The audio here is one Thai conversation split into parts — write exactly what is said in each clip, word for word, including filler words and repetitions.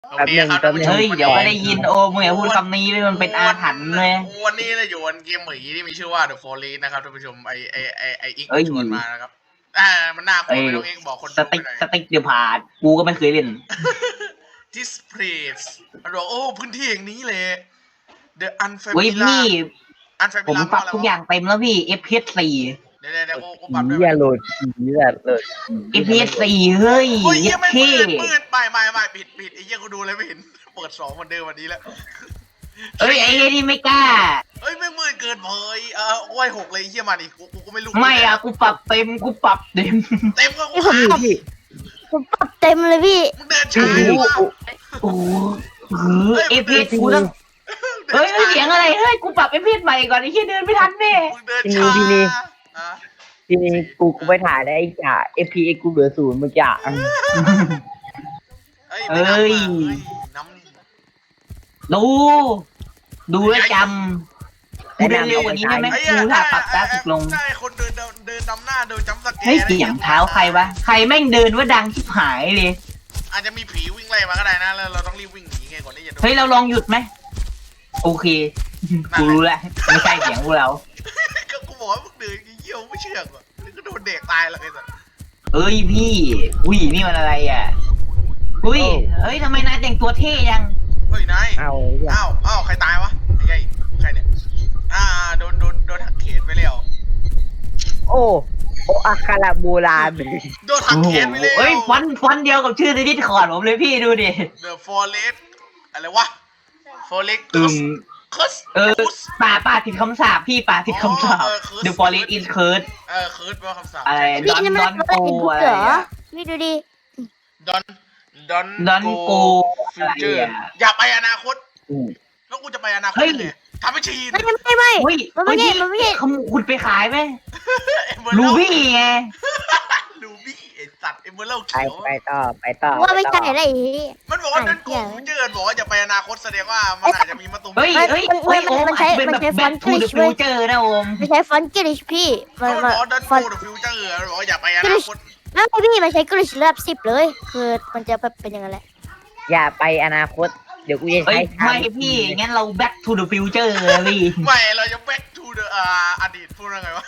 โอแป๊บเคหนึ่งครับแป๊บหนึ่งเฮ้ยเดี๋ยวไม่ได้ยินโอมึงอย่าพูดคำนี้เลยมันเป็นอาถรรพ์เลยวันนี้เราอยู่บนเกมหมีที่มีชื่อว่า The Forest นะครับท่านผู้ชมไอไอไอไออีกเอ้ยชวนมานะครับอ่ามันน่ากลัวไม่ต้องเองบอกคนสดูไปติ๊กหน่อยสติ๊กเดี๋ยวผ่านกูก็ไม่เคยเล่น This place มันบอกโอ้พื้นที่อย่างนี้เลย The เว้ย Unfamiliar พี่ Unfamiliar ผมปรับทุกอย่างเต็มแล้วพี่ เอฟ พี เอส สี่เดี๋ยวเดี๋ยวเดี๋ยวกูปรับด้วยผีอะโหลดผีแบบโหลดเอฟ พี เอส สี่เฮ้ยโอ้ยเหี้ยไม่เท่มืดมืดไม่ไม่ไม่ปิดปิดไอ้เหี้ยกูดูเลยไม่เห็นเปิดสองวันเดิมวันนี้แล้วเอ้ยไอ้เหี้ยนี่ไม่กล้าเอ้ยไม่มืดเกินเผยเออโอ้ยหกเลยไอ้เหี้ยมาดิกูกูก็ไม่รู้ไม่อะกูปรับเต็มกูปรับเต็มเต็มก็กูผีหาพี่ผมปรับเต็มเลยพี่มึงเดินช้าว่ะโอ้โหเอฟ พี เอสกูต้องเฮ้ยเสียงอะไรเฮ้ยกูปรับเอฟ พี เอสใหม่ก่อนไอ้เหี้ยเดินไม่ทันแน่มึงเดินช้าอ่ะทีนี้กูกูไปถ่ายได้ไอ้จ่า เอฟ พี เอ็กซ์ กูเหลือศูนย์เมื่อกี้อะเอ้ยไม่นับอ่ะเอ้ยน้ำดู ดูแลวจำกูเดินเร็วกว่านี้ได้ไหมไอ้กูถ้าปรับกราฟิกลงใช่คนเดินเดินดำหน้าเดินจำสแกนเฮ้ยเสียงเท้าใครวะใครแม่งเดินว่าดังชิบหายเลยอาจจะมีผีวิ่งไล่มาก็ได้นะแล้วเราต้องรีบวิ่งหนีไงก่อนที่จะโดนเฮ้ยเราลองหยุดไหมโอเคกูรู้แล้วไม่ใช่เสียงพวกเราก็กูบอกว่ามึงเดินเยี่ยวไม่เชื่อว่ะมึงก็โดนเด็กตายแล้วไอ้สัสเอ้ยพี่อุ้ยนี่มันอะไรอ่ะอุ้ยเฮ้ยทำไมนายแต่งตัวเท่ยังเฮ้ยนายเอาอ้าวอ้าวใครตายวะไอ้ยัยใครเนี่ยอ่าโดนโดนโดนหักเขนไปแล้วโอ้โออาคาราโบราณโดนหักโอ้โหเขนไปแล้วเฮ้ยฟอนต์ฟอนต์เดียวกับชื่อในดิสคอร์ดผมเลยพี่ดูดิ The Forest อะไรวะ Forest อื Curse ม Curse เออป่าป่าผิดคำสาปพี่ป่าผิดคำสาปอ๋อเออ curse The forest is cursed เออ Curse แปลว่าคำสาปอะไรพี่ดอนนี่ดมัอน นเป็นโกบุ๊กอะไรเหรออ่ะพี่ดูดิ Don Don Don't go Future อะไรอะอย่าไปอนาคตอืมแล้วกูจะไปอนาคตเฮ้ยยังไงทำให้ชีนไม่ไม่ไม่เฮ้ยมันไม่ใช่มันไม่ใช่ขโมยคุณไปขายไหมเอเมอลูรัลบี้ไงลูบี้ไอสัตว์เอเมอรัลไปเขียวไปต่อไปต่อว่าไม่ปใช่ต่ออะไรอย่างงี้มันบอกว่าอ่ะดันโกเหี้ยฟิวเจอร์บอกว่าจะไปอนาคตแสดงว่ามันอาจจะมีมาตุมเฮ้ยมันเฮ้ยมันเฮ้ยมันโอมมันใช้อาจจะเป็นมัแบนบใช้แบ็ค font ทูเดอะ English ฟิวเจอร์นะโอมไม่ใช่ฟอนต์กริชพี่มัมันนบมัอน กว่าดันฟอนโกต์เดอะฟิวเจอร์บอกว่าอย่าไปอนาคตไม่พี่มันใช้กริชระดับสิบเลย คือมันจะแบบเป็นอย่างนั้นแหละอย่าไปอนาคต เดี๋ยวกูจะเฮ้ใช้ยไม่พี่งั้นเรา back to the future เลยพี่ไม่เราจะ back to the อ่าอดีตพูดว่าไงวะ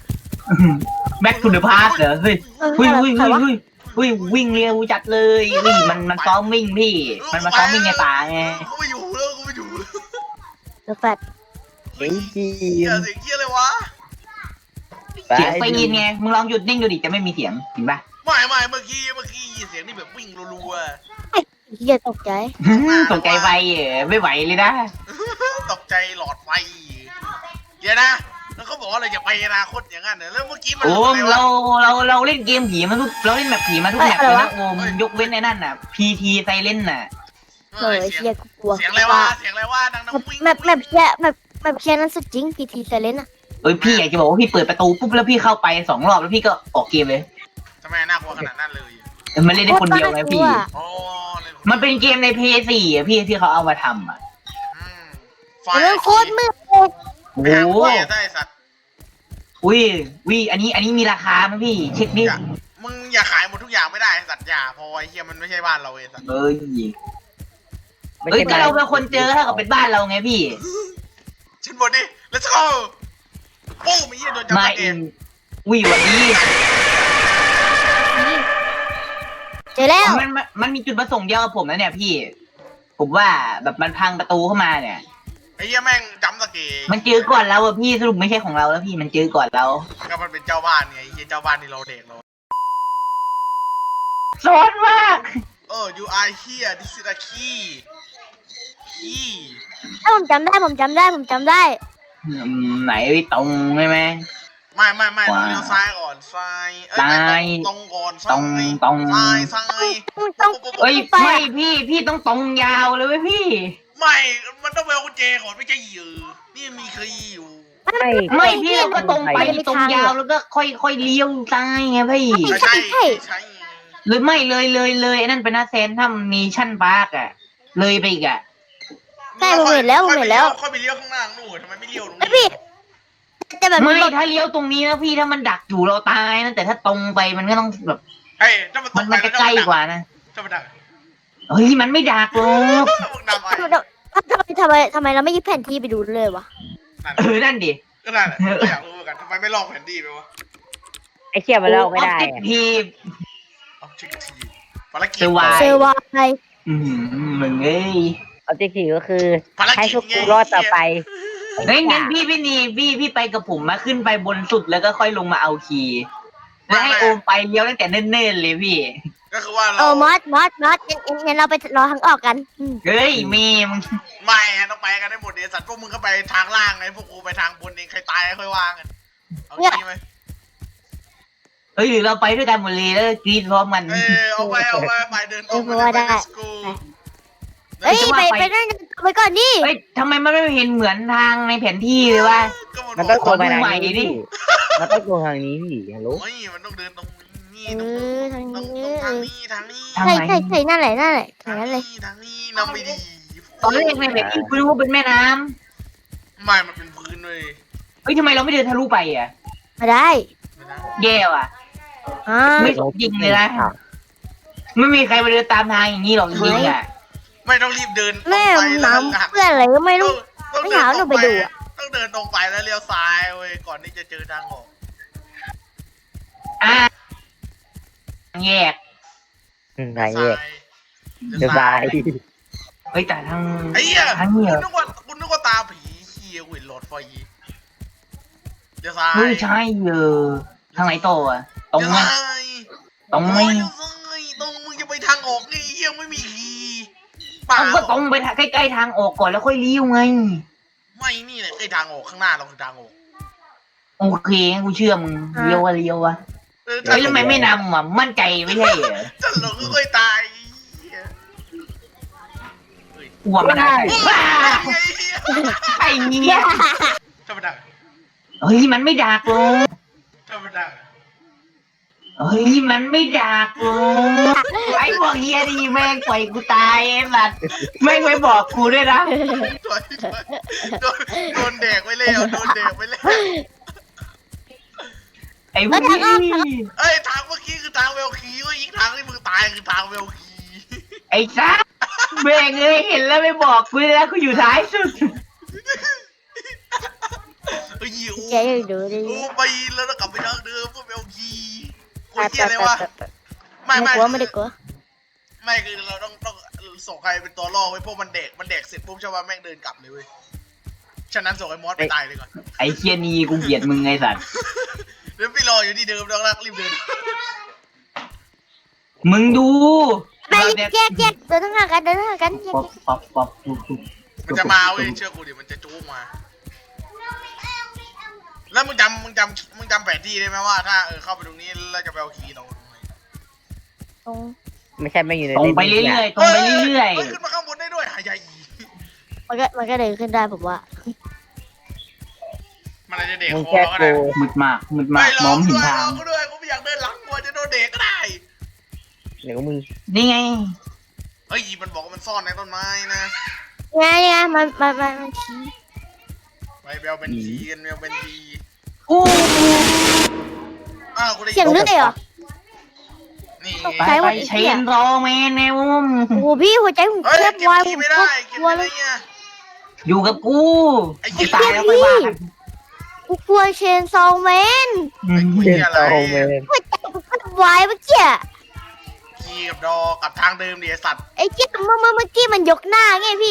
back to the past เหรอเฮ้ยเออเฮ้ยเฮ้ยใครเฮ้ยวะเฮ้ยเฮ้ยวิ่งเร็วจัดเลยนี่มันมันซ้อมวิ่งพี่ มันมาซ้อมวิ่งในป่าไงกูไม่อยู่แล้วกูไม่อยู่แล้วเดอะแฟตเฮ้ยจีเหี้ยนเสียงเหี้ยเลยวะไปเสียงไฟยินไงมึงลองหยุดนิ่งดูดิจะไม่มีเสียงเห็นปะไม่ไม่เมื่อกี้เมื่อกี้เสียงนี่แบบวิ่งรัวเฮียตกใจตกใจไฟเอ๋ไม่ไหวเลยนะๆตกใจหลอดไฟเดี๋ยวนะแล้วเขาบอกว่าเราจะไปอนาคตอย่างนั้นเหรอแล้วเมื่อกี้มันโอมอะไรวะเราเราเราเล่นเกมผีมาทุกเราเล่นแบบผีมาทุกแมปเลยนะโอมยกเว้นในนั่นน่ะ พี ที ไซเลนน่ะเอเอออเสียงเฮียกูกลัวเสียงอะไรวะเสียงอะไรวะดังๆวิ่งแมปแมปเฮียแมปแมปเฮียนั้นสุดจริงพีทีไซเลนอะเอ้ยพี่อยากจะบอกว่าพี่เปิดประตูปุ๊บแล้วพี่เข้าไปสองรอบแล้วพี่ก็ออกเกมเลยทำไมน่ากลัวขนาดนั้นเลยมันเล่นได้คนเดียวไงพี่อ๋อเลยมันเป็นเกมในเพย์สี่อ่ะพี่ที่เขาเอามาทำอ่ะอืมไฟเรื่องโคตรมืดโอ้ไปโหหาไฟได้สัตว์อุ้ยวิอันนี้อันนี้มีราคาไหมพี่ เช็คดิอย่ามึงอย่าขายหมดทุกอย่างไม่ได้สัตว์อย่าเพอไอ้เฮียมันไม่ใช่บ้านเราเองสัตว์เอ้ยไม่เอ้ยใช่ก็เราเป็นคนเจอเท่ากับเป็นบ้านเราไงพี่ฉันบอกดิ let's go ปุ้มไอ้เฮียโดนจับมาตะเกอิงนวิวันนี้เจอแล้วมันมันมันมีจุดประสงค์เดียวกับผมนะเนี่ยพี่ ผมว่าแบบมันพังประตูเข้ามาเนี่ยไอ้เฮียแม่งจับตะเกงมันเจอก่อนเราอะพี่สรุปไม่ใช่ของเราแล้วพี่มันเจอก่อนเราก็มันเป็นเจ้าบ้านไงไอ้เฮียเจ้าบ้านที่เราเด็กเราซ้อนมากเออ you are here this is a key key ถ้าผมจำได้ผมจำได้ผมจำได้อืมไหนตรงใช่ไหมไม่ไม่ไม่ว้าเราเลี้ยวซ้ายก่อนซ้ายเอ้ยซ้ายไม่ตรงก่อนตรงตรงซ้ายซ้ายต้องต้องเอ้ยไปไม่อะพี่พี่ต้องตรงยาวเลยเว้ยพี่ไม่มันต้องไปเอากุญแจก่อนไม่ใช่ยือนี่มีคีย์อยู่ไม่ไม่พี่เราก็ตรงไปตรงยาวแล้วก็ค่อยค่อยเลี้ยวซ้ายไงพี่ไม่ใช่ไม่ใช่หรือไม่เลยเลยเลยไอ้นั่นเป็นหน้าเซนถ้ามีชั่นปาร์กอะเลยไปอีกอะใช่ผมเห็นแล้วผมเห็นแล้วค่อยไปเลี้ยวข้างล่างนู่นทำไมไม่เลี้ยวตรงไอนี้พี่แต่แบบไม่นี้ถ้าเลี้ยวตรงนี้นะพี่ถ้ามันดักอยู่เราตายนะแต่ถ้าตรงไปมันก็ต้องแบบเฮ้ยถ้ามันตมักนไปมันจะใกล้กว่านะถ้ามันดักเฮ้ยมันไม่ดักหรอกมึงนำไปทำไมทำไมทำไมทำไมเราไม่ยึดแผนที่ไปดูเลยวะนั่นเออนั่นดิก็นั่นแหละอยากรู้เหมือนกันทำไมไม่ลองแผนที่ไปวะไอ้เชี่ยมันเล่าไม่ได้ออบเจกอะทีฟออบเจกทีภารกิจสวายเซอร์ไวายอืมมึงเอ้ยออบเจกตีก็คือภารให้กิจพวกไงกูรอดต่อไปเฮ้ยงั้นพี่พี่นี่พี่พี่ไปกับผมมาขึ้นไปบนสุดแล้วก็ค่อยลงมาเอาคีย์แล้วให้โอมไปเลี้ยวตั้งแต่เนิ่นๆเลยพี่ก็คือว่าเอเราอมอสมอสมอสงั้นงั้นงั้นเราไปรอทางออกกันอืมเฮ้ยเมย์มึงไม่อะต้องไปกันได้หมดเดี๋ยวสัตว์พวกมึงก็ไปทางล่างไงพวกกูไปทางบนเองใครตายค่อยว่ากันเอางี้ไหมเฮ้ยหรือเราไปด้วยกันหมดเลยแล้วกรีดพร้อมกันเออเอาไปเอาไปไปเดินตรงไปเลยไป let's go เฮ้ยไปไปนั่นไปก่อนดิเฮ้ยทำไมมันไม่เห็นเหมือนทางในแผนที่เลยวะก็มันบต้อองกโกงไปทางใหม่ดินี้พี่มันต้องโกงทางนี้พี่ฮัลโหลโอ้ยมันต้องเดินตรงนี้เอตรงอทางตรงนี้ตรงเอทางอนี้ทางนี้ทางใช่ไหนใช่ใช่นั่นแหละนั่นแหละทาทาง งนั้นเลยนี้ทางนี้นำไปดีตอนแรกในแผนที่กูนึกว่าเป็นแม่น้ำไม่มันเป็นพื้นเลยเฮ้ยทำไมเราไม่เดินทะลุไปอ่ะมาได้ไม่นะแย่ว่ะอ่าไม่สมจริงเลยนะ ไม่มีใครมาเดินตามทางอย่างนี้หรอกจริงๆอ่ะไม่ต้องรีบเดินตรงแม่ไปแล้วน้ำเพื่อนอะไรก็ไม่ต้อรู้งต้องไม่เดินหาตรงหนูไปไปดูอะต้องเดินตรงไปแล้วเลี้ยวซ้ายเว้ยก่อนที่จะเจอทางออกอ่ะแยกอืมทางแยกเลี้ยวสบาซ้ายยเฮ้ยแต่ทางไอ้เหี้ยทางนี้คุเหรณอนึกว่าคุณนึกว่าตาผีเฮียกูเห็นหลอดไฟเลี้ยวซ้ายเฮ้ยใช่เออทางไหนต่ออ่ะตรงไหมเลี้ยวซ้ายตรงไหมโอ้ยเลี้ยวซ้ายตรงมึงจะไปทางออกนี่เฮียไม่มีคีย์เปล่าเอาก็ตรงไปทางใกล้ๆทางออกก่อนแล้วค่อยเลี้ยวไงไม่นี่แหละไอ้ทางออกข้างหน้าเราคือทางออกโอเคงั้นกูเชื่อมึงเลี้ยววะเลี้ยววะเออเฮ้ยแล้วทำไมไม่นำอ่ะมั่นใจไม่ใช่เหรอจะหลงก็ค่อยตายเหี้ยกลัวมันอะไรว้าไอ้เหี้ยไอ้เนี่ยธรรมดาเฮ้ยมันไม่ดักหรอกธรรมดาเฮ้ยมันไม่ดักหรอกไอ้พวกเฮียนี่แม่งปล่อยกูตายไอ้สัตว์แม่งไม่บอกกูด้วยนะถอยถอยโดนโดนแดกไว้แล้วโดนแดกไว้แล้วไอ้พวกนี้เอ้ยทางเมื่อกี้คือทางเวลคีก็อีกทางที่มึงตายคือทางเวลคีไอ้ซักแม่งเอ้ยเห็นแล้วไม่บอกกูเลยนะกูอยู่ท้ายสุดเฮ้ยอูแกอยู่ดูดิอูไปแล้วเรากลับไปทางเดิมพวกเวลคีกูไปเฮียอะไรวะไม่ไม่กลัวไม่ไม่ได้กลัวไม่คือเราต้องต้องส่งใครเป็นตัวล่อไว้พวกมันเด็กมันเด็กเสร็จปุ๊บใช่ป่ะแม่งเดินกลับเลยเว้ยฉะนั้นส่งไอ้มอสไปตายเลยก่อนไอ้เชียนี่กูเกลียดมึงไงสัตว์เดี๋ยวพี่รออยู่ที่เดิมแล้วรักรีบเดินมึงดูไปแยกแยกเดินทางหากันเดินทางหากันแยกป๊อปแยกป๊อปป๊อปปุ๊บปุ๊บมันจะมาเว้ยเชื่อกูดิมันจะจู๊กมา แล้วมึงจำมึงจำมึงจำแผนที่ได้ไหมว่าถ้าเออเข้าไปตรงนี้แล้วจะไปเอาคีย์เราตรงไหนตรงไม่ใช่ไม่อยู่ในตรงไปเรื่อยๆตรงไปเรื่อยฮ้ขึ้นมาข้างบนได้ด้วยหายใจอีมันก็มันก็เดินขึ้นได้ผมว่ามันอาจจะเด็กมึงคอแค่ก็โกได้ๆมืดมากมืดมาไม่กรมอองไม่กูเห็นด้วยทาร งอกูด้วยกูไม่อยากเดินหลังกลัวจะโดนเด็กก็ได้เดี๋ยวมึงนี่ไงเฮ้ยมันบอกว่ามันซ่อนในต้นไม้นะไงไงมันมันมันมันชี้ไปเบลเป็นทีกันเบลเป็นทีอู้อ้าวกูได้เสียงเลือดเหรอนี่ไปไปเชนรอแมนแนวมโอ้โหพี่หัวใจผมเฮ้ยเทียบเก็บวายผคีย์มไม่กได้ดเก็บกลัวไม่เลได้ยเนี่ยอยู่กับกูไอ้กูเหี้ยตายแล้วไปว่ากันกูกลัวเชนซองแมนอืมเล่นโตเมนหัวใจผมกดวายเมื่อกี้คีย์กับดอกับทางเดิมเดี๋ยวสัตว์ไอ้เจี๊ยเมื่อเมื่อเมื่อกี้มันยกหน้าไงพี่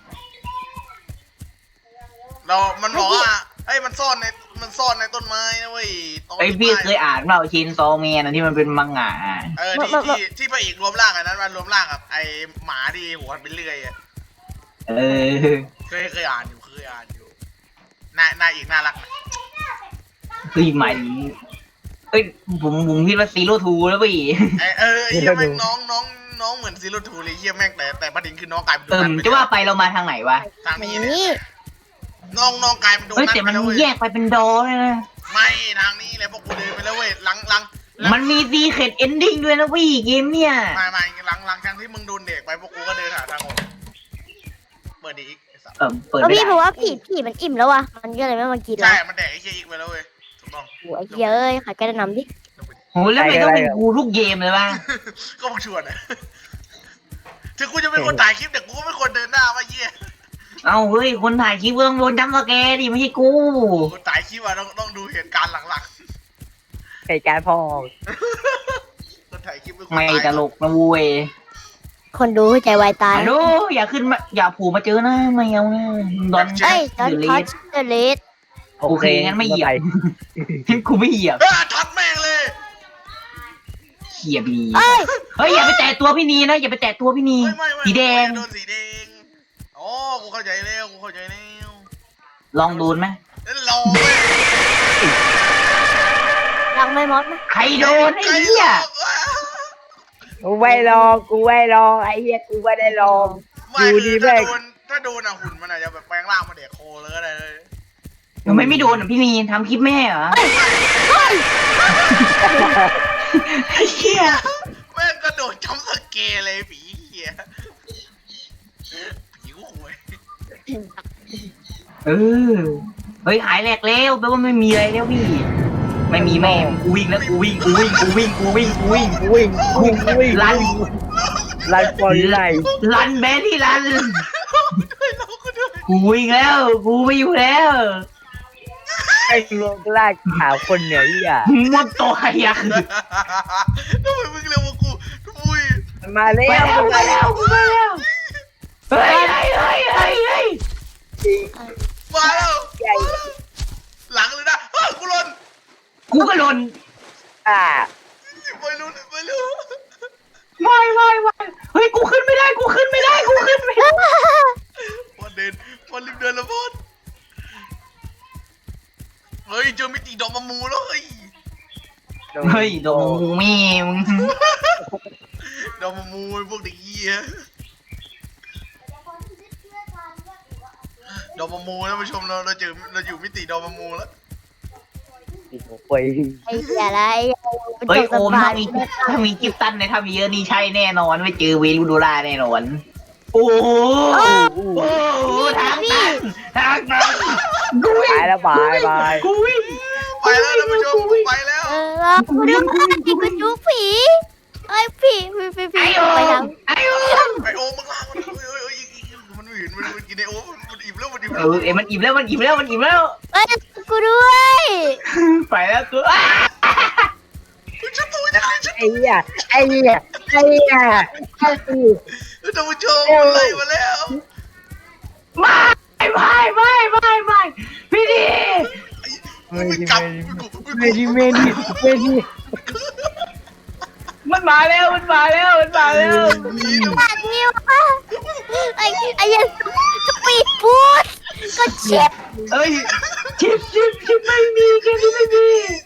เรา มันบอกว่าเอ้ย มันซ่อนใน มันซ่อนในต้นไม้นะเว้ยตรงไอพี่เคยอ่านเปล่าเชนซอแมนอันที่มันเป็นมังงะเออ ที่ที่ที่พระเอกรวมร่างอันนั้นมันรวมร่างกับไอหมาที่หัวมันเป็นเลื่อยอะเออเคยเคยอ่านอยู่ เคยอ่านอยู่นายนายอีกน่ารักนะคือหมายถึงเอ้ยผมผมคิดว่าซีโร่ทูแล้วพี่ไอเออไอ้เหี้ยแม่งน้องน้องน้องเหมือนซีโร่ทูเลยเหี้ยแม่งแต่แต่ประเด็นคือน้องกลายเป็นโดเออนัทไปจะว่าไปเรามาทางไหนวะทางนี้นี่เนี่ยน้องน้องกลายเป็นโดเฮ้ยนัทแต่ไปมันแล้วเว้ยแยกไปเป็นดอเลยนะไม่ทางนี้เลยพวกกูเดินไปแล้วเว้ยหลังหลังหลังมันมีซีเคดเอนดิ้งด้วยนะพี่เกมเนี่ยไม่ไม่หลังหลังจากที่มึงโดนเด็กไปพวกกูก็เดินหาทางออกเปิดดีอีกไอ้สัสเออเปิดแล้วไม่พี่ได้ผมว่าผีผีมันอิ่มแล้ววะมันก็เลยไม่มากินแล้ใช่วมันแดกไอ้เหี้ยอีกไปแล้วเว้ยถูกต้องโอ้ยเหี้ยเอ้ยขายแกระนำดิโหแล้วไม่ต้องเป็นกูทุกเกมเลยวะก็มาชวนอะถึงกูจะเป็นคนถ่ายคลิปแต่กูก็ไม่ควรเดินหน้าว่าเยี่ยเอาเฮ้ยคนถ่ายคลิปเบื้องโดนจำสแกร์ดิไม่ใช่กูคนถ่ายคลิปอะต้องต้องดูเหตุการณ์หลังเหตุการณ์พ่อๆคนถ่ายคลิปเป็นคนไม่ถ่ายตลกนะเว้ยคนดูหัวใจวายตายฮัลโหลอย่าขึ้นมาอย่าผูมาเจอนะไม่เอานะดอนเอ้ยตอนเลทัชสเดอะเลสโอเคงั้นไม่เหยียบ กูไม่เหยียบเฮ้ยทัดแม่งเลยเหยียบดีเอ้ยเฮ้ยอย่าไปแตะตัวพี่นีนะอย่าไปแตะตัวพี่นีไม่ไม่ไม่สีแดงโดนสีแดงอ๋อกูเข้าใจแล้วกูเข้าใจแล้วลองโดนไหมแล้วรอเว้ยรังไม่มดนะใครโดนไอ้เหี้ยกูไม่ลองกูไม่ลองไอ้เหี้ยกูไม่ได้ลองไม่ดูคืดีอแม่ถ้าง โดนถ้าโดนอะหุ่นมันอาจจะแบบแปลงร่างมาเด็กโคเลยก็ได้เลยทำไมไม่โดนอ่ะพี่นีทำคลิปแม่เหรอไอ้เหี้ยแม่งก็โดนจำสเกลเลยผีเหี้ยผีกูหวยเออเฮ้ยหายแหลกแล้วแปลว่าไม่มีอะไรแล้วพี่ ไม่มีแม่กูวิ่งแล้วกูวิ่งกูวิ่งกูวิ่งกูวิ่งกูวิ่งวิ่งวิ่งวิ่งลันลันฟอร์ไลลันแบรี่ลันด้วยเราก็ด้วยกูวิ่งแล้วกูไม่อยู่แล้วไอ้ลงลากขาวคนเหนือเหี้ยหมดตัวอ่ะทำไมมึงเร็วกว่ากูอุ้ยมันมาแล้ไปวแล้วไปแล้วกูไปแล้วเฮ้ยเฮ้ยเฮ้ยเฮ้ยเฮ้ยมาแล้วใหญ่หลังเลยนะเฮ้ยกูหล่นกูก็หล่นอ่าไปรู้ไปรู้ไม่ไม่ไม่เฮ้ยกูขึ้นไม่ได้กูขึ้นไม่ได้กูขึ้นไม่ได้พอเดินพอรีบเดินแล้วพอดเฮ้ยเจอมิติดอกมะมูแล้วเฮ้ยเฮ้ยโดนงูแม่มึงดอกมะมูไอ้พวกเด็กเหี้ยดอกมะมูท่านผู้ชมเราเราเจอเราอยู่มิติดอกมะมูแล้วป่วยไอ้เหี้ยอะไรเฮ้ยโอมถ้ามีถ้ามีกิฟตันในถ้ามีเยอะนี่ใช่แน่นอนไม่เจอเวลูโดราแน่นอนโอ้โหโอ้โหทางตันทางตันกูวิ่งตายแล้วบายบายกูวิ่งไปแล้วท่านผู้ชมไปแล้วเออกูดูผีกูจุกผีไอ้ผีผีผีผีไอโอไปมทางไอโอมไอโอมึงล่างมันเฮ้ยเฮ้ยเฮ้ยมันไม่เห็นมันมันกินไอโอมันอิ่มแล้วมันอิ่มเอแล้วอเอ้ยมันอิ่มแล้วมันอิ่มแล้วมันอิ่มแล้วเอ้ยกูด้วยไปแล้วกูอ้าฉันตัวยังไงฉันไอ้เหี้ยไอ้เหี้ยไอ้เหี้ยไอ้เหี้ยท่านผู้ชมมันไล่มาแล้วไม่ไม่ไม่ไม่ไม่พี่ดีไม่กลับเมดิเมดิเมดิมันมาแล้วมันมาแล้วมันมาแล้วนี่ดูปาดนิ้วอ่ะไอ้ไอ้ยันสปีดบูทก็เจ็บเอ้ยชิปชิปชิปไม่มีแค่นี้ไม่มี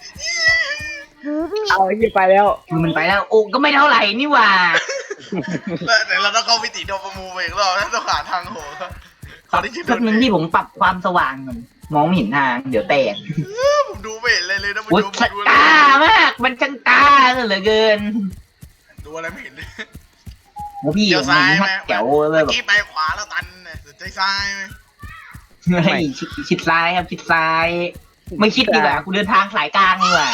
เอาไอ้เหี้ยไปแล้วมันไปแล้วโอ้ก็ไม่เท่าไหร่นี่หว่าแต่เราต้องเข้ามิติโดปามูไปอีกรอบนะต้องหาทางโหขอได้ชิดแป๊บนึงที่ผมปรับความสว่างมันมองไม่เห็นทางเดี๋ยวแตกผมดูไม่เห็นเลยเลยนะผู้โอ้ยชมชักกล้ามากมันช่างกล้าเหลือเกินดูอะไรไม่เห็นเลยโอ้พี่เดี๋ยวมันซ้ายไหมมัดแจ๋วเลเมื่ยอแบบกี้ไปขวาแล้วตันเนี่ยสนใจซ้ายไหมเฮ้ยชิดชิดซ้ายครับชิดซ้าย ไม่คิดดีกว่ากูเดินทางสายกลางดีกว่า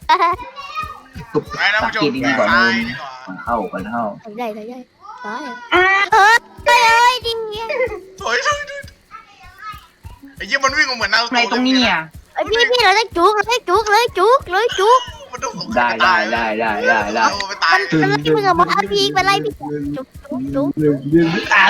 ไปนะผู้ชมสังเกตดีกว่าซ้ายดีกว่าเข้ากันเข้าทำได้ทำได้ร้อยเออเอ้ยเอ้ยดิเงี้ยถอยถอยถอยไอ้ยี่มันวิ่งมาเหมือนนารูโตะในตรงนี้เนี่ยไอ้พี่พี่เราได้จุกเราได้จุกเลยจุกเลยจุกมันต้องสงได้ตายได้ได้ได้ได้ได้เอาไปตายมันมันไล่มึงอะมาทันพีไปไล่พี่จุกจุกจุกอ่า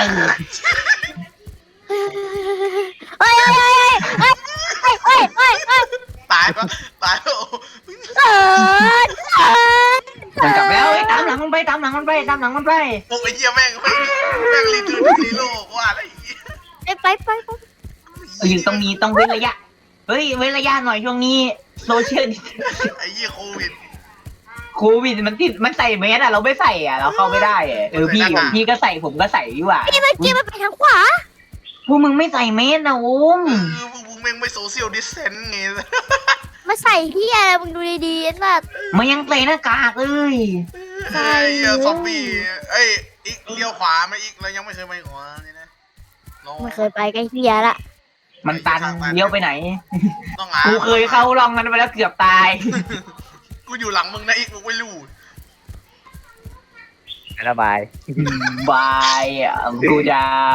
เฮ้ยเฮ้ยเฮ้ยเฮ้ยเฮ้ยเฮ้ยเฮ้ยตายปะตายแล้วเออเออมันกลับแล้วเอ้ยตามหลังมันไปตามหลังมันไปตามหลังมันไปโอ้ไอ้เหี้ยแม่งแม่งแม่งรีทูนซีโร่ว่าอะไรเหี้ยไปไปไปไปเอออยู่ตรงนี้ต้องเว้นระยะเฮ้ยเว้นระยะหน่อยช่วงนี้โซเชียลไอ้เหี้ยโควิดโควิดมันติดมันใส่เมสอะเราไม่ใส่อะเราเข้าไม่ได้อะเออพี่พี่ก็ใส่ผมก็ใส่ดีกว่าพี่มันกี้มันไปทางขวาพวกมึงไม่ใส่เมสนะโอ้มเออพวกมึงแม่งไม่โซเชียลดิสเทนต์ไงมาใส่ที่อะไรมึงดูดีๆไอ้สัสมันยังใส่หน้ากากเลยไอ้เหี้ยซอมบี้เอ้ยอีกเลี้ยวขวาไหมอีกเรายังไม่เคยไปขวานี่นะลองไม่เคยไปใกล้เฮียละมันตันเลี้ยวไปไหนต้องหากูเคยเข้าลองนั้นไปแล้วเกือบตายกูอยู่หลังมึงนะอีกมึงไม่รู้ไระบายบายอ่ะกูจะ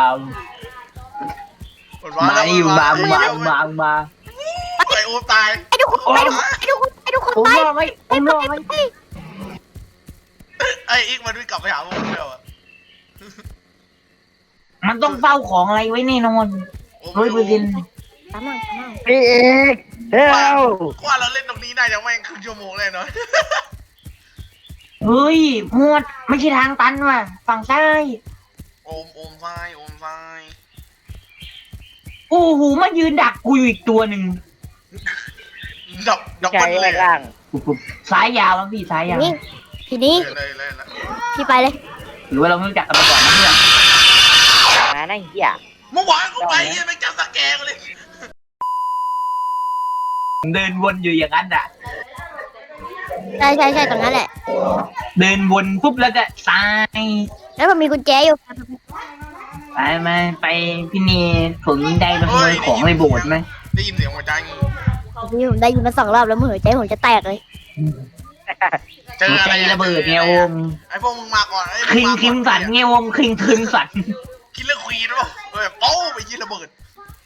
หมดมาแล้วดิมามามามาไอ้โอมตายไอ้ทุกคนไอ้ทุกคนไอ้ทุกคนไอ้ทุกคนผมตายรอไหมผมรอไหมไอ้อีกมันวิ่งกลับไปหาพวกมึงแล้วอะมันต้องเฝ้าของอะไรไว้แน่นอนโอ้ร้อยเปอร์เซ็นต์ตามมาตามมาพี่เอกเฮ้ยว่าเราเล่นตรงนี้น่าจะแม่งครึ่งชั่วโมงเลยเนาะเฮ้ยหมวดไม่ใช่ทางตันว่ะฝั่งซ้ายโอมโอมซ้ายโอมซ้ายโอ้โหมายืนดักกูอยู่อีกตัวหนึ่งดับดับใจเบิ้ลเลไว้ยล่างซ้ายยาวมั้งพี่ซ้ายยาวนี่ทีนี้เลยเลยเลยพี่ไปเลยหรือว่าเราไม่รู้จักกันมาก่อนนะเพื่อนมานั่งเหี้ยเมื่อวานกูไปเฮียแม่งจับสแกนเลยเดินวนอยู่อย่างนั้นอ่ะใช่ใช่ใช่ตรงนั้นแหละเดินวนปุ๊บแล้วก็ซ้ายแล้วมันมีกุญแจอยู่ไปมาไปพี่นีผมได้ไปขโมยของในโบสถ์ไหมได้ยินเสียงหัวใจพี่ผมได้ยินมาสองรอบแล้วมือหัวใจผมจะแตกเลยเจออะไรใจระเบิดไงโอมไอ้พวกมึงมาก่อนไอ้คิงคิมสันไงโอมคิงคิมสันคิลเลอร์ควีนป่ะเออโป้ไปยิงระเบิด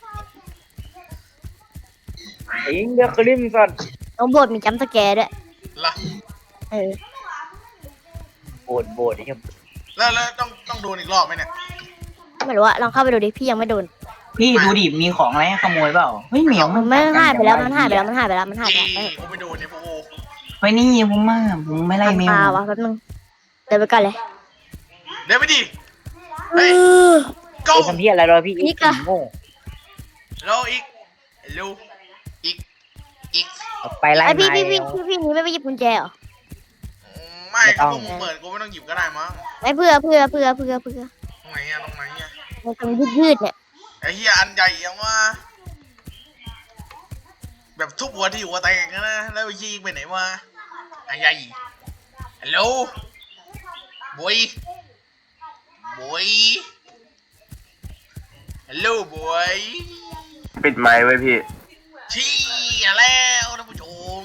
อิงเดอะคริมสันน้องโบดมีจัมป์สแกร์ด้วยล่ะเออโบดโบดไอ้เหี้ยแล้วแล้วต้องต้องโดนอีกรอบไหมเนี่ยไม่รู้อะลองเข้าไปดูดิพี่ยังไม่โดนพี่ดูดิมีของอะไรให้ขโมยเปล่าเฮ้ยเหมียวมันไม่หายไปแล้วมันหายไปแล้วมันหายไปแล้วมันหายไปเอ้แล้วกูไม่โดนเนี่ยพวกโอไปนี่ผมมาผมไม่ไล่แมวตาวะแป๊บนึงเดินไปก่อนเลยเดี๋ยวไปดิเอเฮ้ยอ go ไอ้ทำเหี้ยอะไรรอพี่อีอีกกอะโง่แล้วอีกเร็วอีกอีกเอาไปไล่ไอพี่มาพี่พี่แล้วพี่พี่นี่ไม่ไปหยิบกุญแจเหรอไม่ไม่ต้องพวกมึงเปิดกูไม่ต้องหยิบก็ได้มั้งไม่เพื่อเพื่อเพื่อเพื่อเพื่อตรงไหนอะตรงไหนอะมันตรงยืดยืดๆเนี่ยไอ้เฮียอันใหญ่ยังว่าแบบทุบหัวที่หัวแตกนะแล้วยิงไปไหนวะอันใหญ่ฮัลโหลบอยบอยฮัลโหลบอยปิดไมค์ไว้พี่ชี้แล้วท่านผู้ชม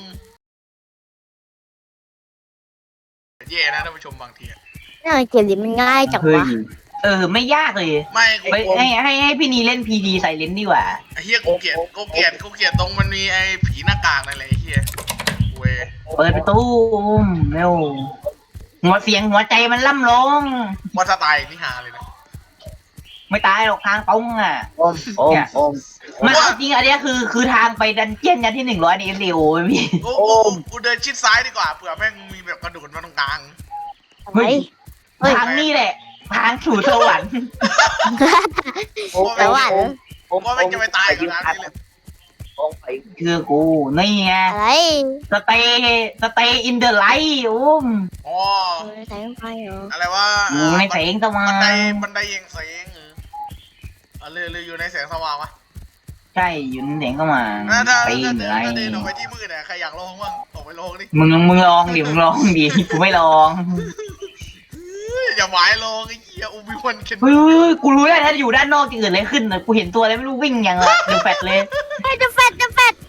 แย่นะท่านผู้ชมบางทีอะนี่เกมนี้มันง่ายจังเฮ้ยวะเออไม่ยากเลยไม่กูไปให้ให้ให้พี่นีเล่นพีดีใส่เลนส์ดีกว่าไอ้เฮียกูเกลียดกูเกลียดกูเกลียดตรงมันมีไอ้ผีหน้ากากนั่นแหละไอ้เฮียเว้ยเปิดประตูเร็วหัวเสียงหัวใจมันล่ำร้องว่าถ้าตายนี่หาเลยนะไม่ตายหรอกทางตรงอ่ะโอมโอมโอมมันเอาจริงอันเนี้ยคือคือทางไปดันเจี้ยนยันที่หนึ่งร้อยในเอ็มดีโอพี่กูกูกูเดินชิดซ้ายดีกว่าเผื่อแม่งมีแบบกระโดดมาตรงกลางเฮ้ย เฮ้ยทางนี่แหละ ทางสู่สวรรค์โอมแต่ว่าโอมโอมว่าแม่งจะไปตายกับน้ำนี่เลยโอมไปคือกูนี่ไงอะไรสเตย์สเตย์อินเดอะไลท์อุ้มอ๋อเออใส่ลงไปเหรออะไรวะอยู่ในแสงสว่าบันไดงบันไดเองแสงเออเอาเรือเรืออยู่ในแสงสว่างวะใช่อยู่ในแสงสว่างถ้าถ้าไปถ้าอินเดอะไลถ้าท์เดินออกไปที่มืดเนี่ยใครอยากลองบ้างออกไปลองดิมึงมึงลองดิมึงลองดิกูไม่ลองอย่าหมายลองไอ้เหี้ยอุบิวันเคนเฮ้ยเฮ้ยเฮ้ยกูรู้แล้วถ้าอยู่ด้านนอกจะเกิดอะไรขึ้นนะกูเห็นตัวอะไรไม่รู้วิ่งอย่างเดือดแฟดเลยเฮ้ยจะแฟดจะแฟด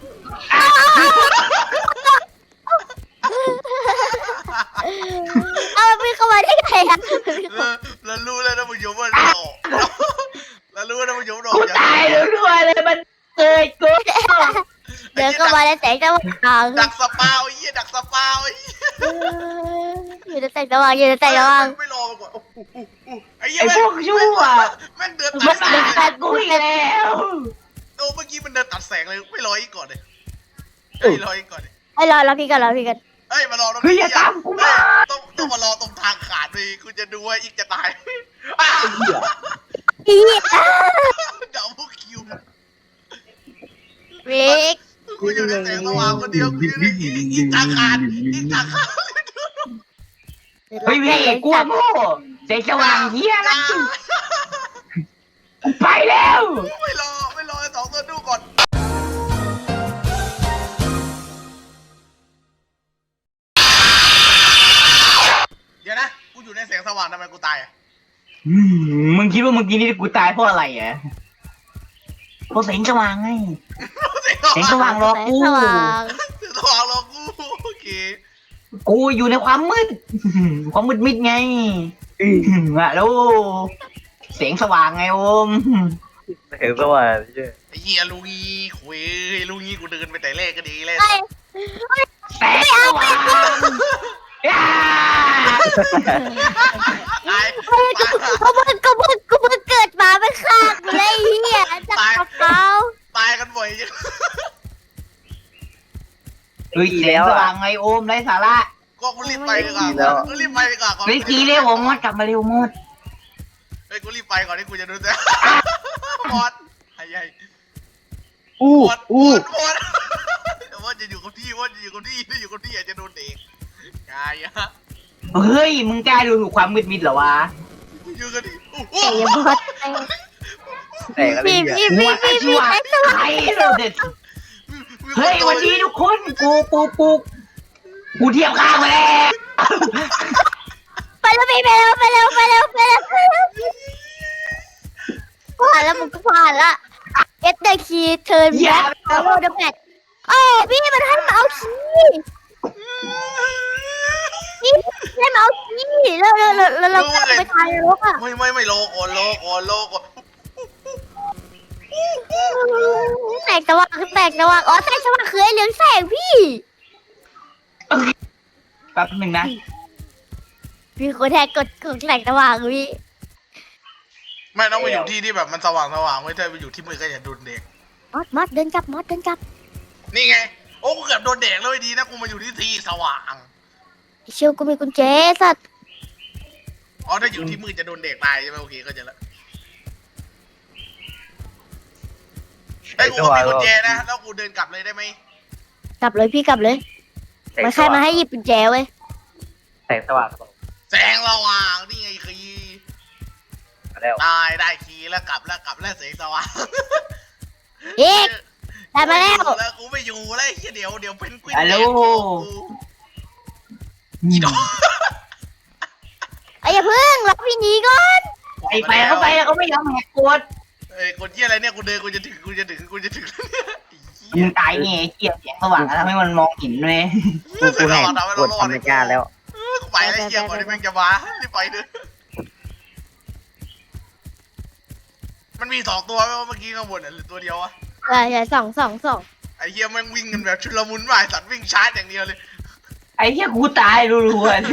เอามันวิ่งเข้ามาได้ไงอะเออแล้วรู้แล้วนะผู้ชมว่าดอกแล้วรู้แล้วนะผู้ชมดอกกูตายแล้วด้วยเลยมันเกิดกูเดินเข้ามาในแสงสว่างดักสปาวไอ้เหี้ยดักสปาวไอ้เหี้ยอยู่ในแสงสว่างอยู่ในแสงสว่างไม่รอมาก่อนโอ้โหไอ้เหี้ยไอ้พวกชั่วแม่งเดินมัตันดแสมางเลยตัดกูอีกแล้วโอ้เมื่อกี้มันเดินตัดแสงเลยไม่รออีกก่อนเลยเฮ้ยรออีกก่อนเลยให้รอรอพี่กันรอพี่กันเฮ้ยมารอตรงเฮ้ยนี้อย่าตามกูมาต้องต้องมารอตรงทางขาดเลยคุณจะดูว่าอีกจะตายอ้าวอีดับเบิลคิววิกกูอยู่ในแสงสว่างคนเดียวกูอยู่ในอีกอีกทางขาดอีกทางขาดเฮ้ยพี่กลัวโม่แสงสว่างเฮียนะกูไปแล้วไม่รอไม่รอสองตัวดูก่อนเดี๋ยวนะกูอยู่ในแสงสว่างทำไมกูตายอ่ะอืมมึงคิดว่าเมื่อกี้นี่กูตายเพราะอะไรอ่ะเพราะแสงสว่างไงแสงสว่างรอแสงกูสว่างแสงสว่างรอกูโอเคกูอยู่ในความมืด ความมืดมิดไงอะแล้วเสียงสว่างไงโอมเห็นสว่างใช่ไอ้เหี้ยลุงงี้คุยลุงงี้กูเดินไปแต่แรกก็ดีเลยไอ้แสงสว่างย่าตายกูเพิ่งกูเพิ่งกูเพิ่งเกิดมาไม่ฆ่ากูเลยไอ้เหี้ยจับกระเป๋าตายกันบ่อยจังเฮ้ยเสียงสว่างไงโอมไร้สาระก็กูรีบไปดีกว่ากูรีบไปดีกว่าก่อนเฮ้ยกีเร็วโอมมดกลับมาเร็วมดเฮ้ยกูรีบไปก่อนที่กูจะโดนแซวหมดไอ้ใหญ่อู้หมดหมอู้ดหมดว่าจะอยู่กับที่ว่าจะอยู่กับที่ถ้าอยู่กับที่อาจจะโดนเด็กกายอะเฮ้ยมึงกล้าดูถูกความมืดมิดเหรอวะอยู่กับที่ไอ้บอสแต่อะไรพี่เนี่ยพี่พี่พี่พี่ไอ้สว่างใครเราเด็ดเฮ้ยวันนี้ทุกคนกูกูกูกูเทียบข้างมาแล้วไปแล้วพี่ไปแล้วไปแล้วไปแล้วไปแล้วผ่านแล้วมึงก็ผ่านละเอสเดคีเทิร์นแบ็คแล้วโรดแมทโอ้พี่มันให้มาเอาคีย์พี่ให้มาเอาคีย์แล้วแล้วแล้วแล้วเราก็ไปทายนรกอ่ะไม่ไม่ไม่โลก่อนโลก่อนโลก่อนแตกสว่างคือแตกสว่างอ๋อแตกสว่างคือไอ้เหลืองแสงพี่แป๊บหนึ่งนะพี่คนแทกกดกดแตกสว่างพี่ไม่ต้องไปอยู่ที่ที่แบบมันสว่างสว่างไว้ถ้าไปอยู่ที่มืดก็อย่าโดนเด็กมอดมอดเดินกลับมอดเดินกลับนี่ไงโอ้กูเกือบโดนเด็กเลยดีนะกูมาอยู่ที่ที่สว่างไอ้เชียวกูมีกุญแจสัตว์อ๋อถ้าอยู่ที่มืดจะโดนเด็กตายใช่ไหมโอเคก็จะละไอ้ยกูก็มีกุญแจนะแล้วกูเดินกลับเลยได้ไหมกลับเลยพี่กลับเลยมันใครมาให้หยิบกุญแจเว้ยแสงสว่างแสงสว่างนี่ไงคีย์มาแล้วตายได้คีย์แล้วกลับแล้วกลับแล้วแสงสว่างเอ๊ะได้มาแล้วแล้วกูไม่อยู่แล้วไอ้เหี้ยเดี๋ยวเดี๋ยวเป็นกวินฮัลโหลอีดอกไอ้อย่าเพิ่งรับพี่หนีก่อนไอ้ไปเขาไปเขาไม่ยอมแหกกฎเอ้ยกดเหี้ยอะไรเนี่ยกูเดินกูจะถึงกูจะถึงกูจะถึงแล้วเนี่ยไอ้เหี้มึยงตายไงไอ้เกียร์เสียงสว่างแล้วทำให้มันมองเห็นเลยกูกูแหกกดธรรมชาติแล้วกูไปแล้วไอ้เหี้ยก่อนที่แม่งจะมารีบไปเด้อมันมีสองตัวไหมว่าเมื่อกี้ข้างบนอ่ะหรือตัวเดียววะใช่ใช่สองสองสองไอ้เหี้ยแม่งวิ่งกันแบบชุลมุนว่ะไอ้สัตว์วิ่งชาร์จอย่างเดียวเลยไอ้เหี้ยกูตายรัวๆเลย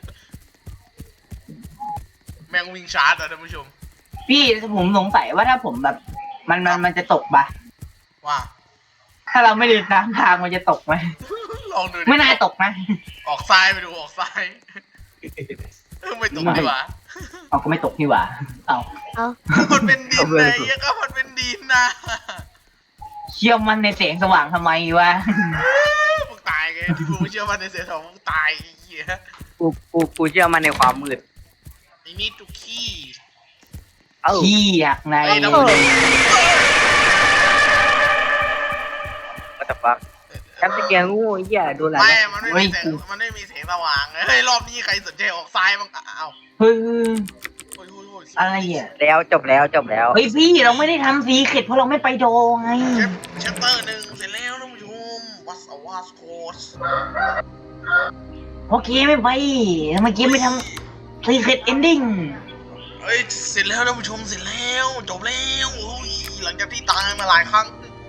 แม่งวิ่งชาร์จอ่ะท่านผู้ชมพี่ผมสงสัยว่าถ้าผมแบบ มันมันมันจะตกปะว่าถ้าเราไม่เดินตามทางมันจะตกไหมลองดูดิไม่น่าตกนะออกซ้ายไปดูออกซ้ายเออไม่ตรงดีกว่าเอาก็ไม่ตกนี่หว่าเอาเอามันเป็นดินนะไอ้เหี้ยก็มันเป็นดินนะเชื่อมันในแสงสว่างทำไมวะมึงตายไงที่กูไม่เชื่อมันในเสียสองมึงตายไอ้เหี้ยกูกูกูเชื่อมันในความมืดไอ้นี่ตุกขี้เอ้าขี้อยากในไอ้น้ำมันก็แต่ฟักจำตะเกียงงูไอ้เหี้ยโดนอะไรไม่มันไม่มีแสงมันไม่มีแสงสว่างเฮ้ยรอบนี้ใครสนใจออกซ้ายบ้างอ้าวเฮ้ยโอ้ยโอ้ยโอ้ยอะไรอ่ะแล้วจบแล้วจบแล้วเฮ้ยพี่เราไม่ได้ทำซีเข็ดเพราะเราไม่ไปโดไงเชฟเชปเตอร์หนึ่งเสร็จแล้วท่านผู้ชมวัสวาสโคสโอเคไม่ไปเมื่อกี้ไม่ทำซีเข็ดเอนดิ้งเฮ้ยเสร็จแล้วท่านผู้ชมเสร็จแล้วจบแล้วโอ้ยหลังจากที่ตายมาหลายครั้ง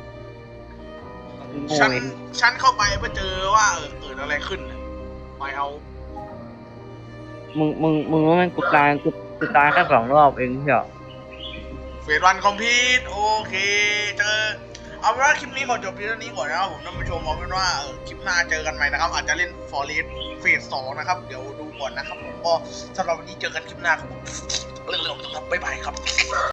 โง่ฉันเองฉันเข้าไปเพื่อเจอว่าเออเกิดอะไรขึ้นน่ะไปเอามึงมึงมึงว่ามันกูตายกูกูตายแค่สองรอบเองเหรอเฟสวันคอมพิวโอเคเจอเอาเป็นว่าคลิปนี้ขอจบเพียงเท่านี้ก่อนนะครับผมท่านผู้ชมเอาเป็นว่าเออคลิปหน้าเจอกันใหม่นะครับ อาจจะเล่นฟอร์เรสเฟสสองนะครับ เดี๋ยวดูก่อนนะครับผมก็สำหรับวันนี้เจอกันคลิปหน้าครับผมเรื่องๆบ๊ายบายครับ